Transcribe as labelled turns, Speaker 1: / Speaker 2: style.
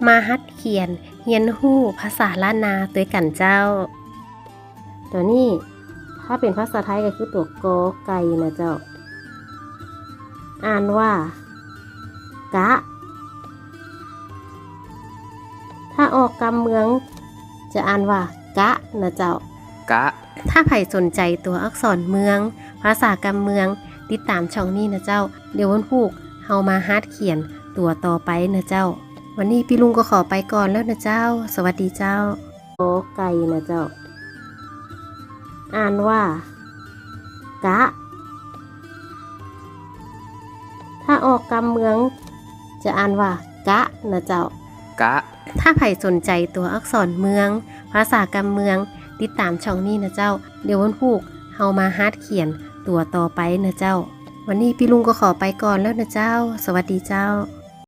Speaker 1: มาฮัดเขียนเรียนรู้ภาษาล้านนาด้วยกันเจ้า ตัวนี้ถ้าเป็นภาษาไทยก็คือตัวกอไก่นะเจ้า อ่านว่ากะ ถ้าออกกำเมืองจะอ่านว่ากะนะเจ้ากะ ถ้าใครสนใจตัวอักษรเมือง ภาษากำเมืองติดตามช่องนี้นะเจ้า เดี๋ยววันพุกเฮามาฮัดเขียนตัวต่อไปนะเจ้า วันนี้พี่ลุงก็ขอไปก่อนแล้วนะเจ้า สวัสดีเจ้าโอไก่นะเจ้า อ่านว่ากะ ถ้าออกกำเมืองจะอ่านว่ากะนะเจ้ากะ ถ้าใครสนใจตัวอักษรเมือง ภาษากำเมืองติดตามช่องนี้นะเจ้า เดี๋ยววันพุกเฮามาฮัดเขียนตัวต่อไปนะเจ้า วันนี้พี่ลุงก็ขอไปก่อนแล้วนะเจ้า สวัสดีเจ้า